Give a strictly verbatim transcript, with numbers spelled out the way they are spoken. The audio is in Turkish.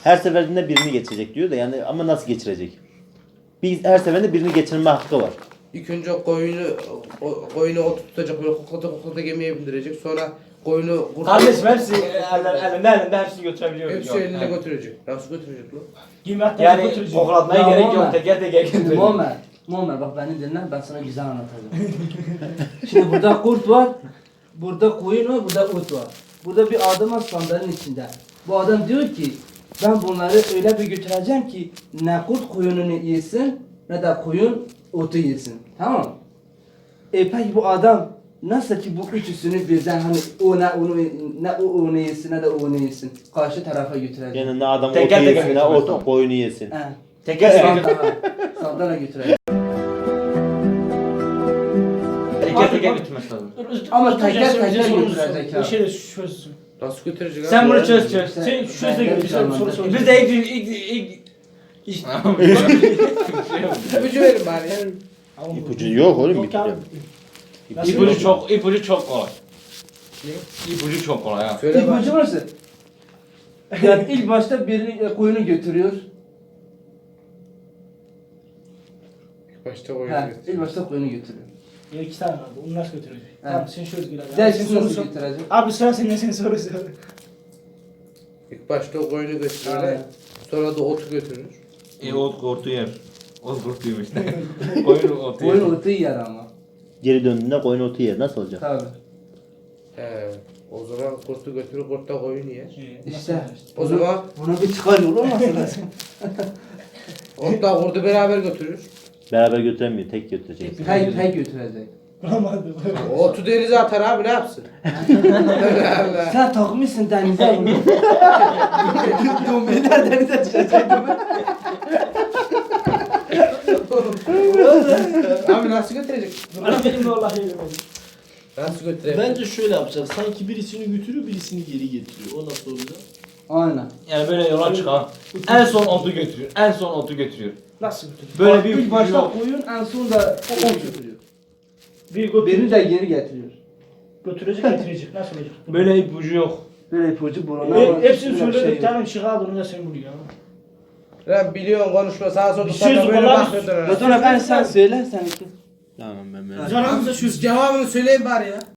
Her seferinde birini geçirecek diyor da yani ama nasıl geçirecek? Bir her seferinde birini geçirme hakkı var. İlk önce koyunu o- koyunu oturtacak böyle koklata koklata gemiye bindirecek. Sonra koyunu Kardeşim hepsi eller, elinde elinde hepsini götürebiliyor. hepsi Yok, eline he. götürecek. Nasıl götürecek lan? Giymek yani götürücü. Koklatmaya Ya gerek Muhammed. yok. Teker teker götürecek. Muammer, Muammer bak beni dinle, ben sana güzel anlatacağım. Şimdi burada kurt var, burada koyun var, burada ot var. Burada bir adam var sandalın içinde. Bu adam diyor ki, ben bunları öyle bir götüreceğim ki ne kurt koyununu yesin ne de koyun otu yesin. Tamam. E peki bu adam nasıl ki bu üçüsünü birden hani o ne onu ne o onu yesin ne de o onu yesin karşı tarafa götürecek. Yani ne adam Teker otu teker yesin ne götürmez otu tabii. koyunu yesin. He. Teker teker götürecek. Sandala, sandala götürecek. Teker teker götürmez lazım. Ama teker teker götürecek ha. Bir şey de çözsün. Nasıl götürecek abi? Sen bunu çöz çöz. Sen şu sözle gibi bir soru sor. Biz de ilk ilk ilk İşte. İpucu verin bari. İpucu yok oğlum bir Yok abi. kere. İpucu çok ipucu çok kolay. İpucu çok kolay ha. Söyle bak. İpucu varsa. Yani ilk başta birini e, koyunu götürüyor. Başta koyunu He, götürecek. ilk başta koyunu götürüyor. Ya iki tane vardı. Onu nasıl götürecek? Tamam sen şöyle gir abi. Dersin Sen soru nasıl sor. götürecek? Abi sıra senin sen soru sor. İlk başta o koyunu götürür. Aynen. Sonra da otu götürür. E ot kurtu yer. Ot kurtuyum işte. Koyun otu yer. Koyun otu yer ama. Geri döndüğünde koyun otu yer. Nasıl olacak? Tabii. He. O zaman kurtu götürür, kurt da koyunu yer. İşte. O zaman Buna bir çıkar yolu olması lazım. ot da kurdu beraber götürür. Beraber götüremiyor. Tek götürecek. Tek tek götürecek. Bulamadım. O otu denize atar abi ne yapsın? Allah Allah. Sen takmışsın denize bunu. Dombeler denize düşecek. Abi nasıl götürecek? Bana benim de vallahi yemedim. Nasıl götürecek? Bence şöyle yapacağız. Sanki birisini götürüyor, birisini geri getiriyor. O nasıl olacak? Aynen. Yani böyle yola çıkan. En son otu götürüyor. En son otu götürüyor. Nasıl götürecek? Böyle Bak, bir ilk ipucu başta yok. koyun en son da o ot götürüyor. Bir götür. Birini de geri getiriyor. Götürecek getirecek. Nasıl olacak? Böyle ipucu yok. Böyle ipucu buruna Hep, var. hepsini Böyle bir söyledik. şey yok. Tamam şık aldın onu da sen buluyor. Lan biliyorsun konuşma sağa sola Bir tutar söz da böyle kullan- bakıyordur. Batuhan ben sen söyle sen. Tamam ben merak Canımıza şu Cevabını söyleyin bari ya.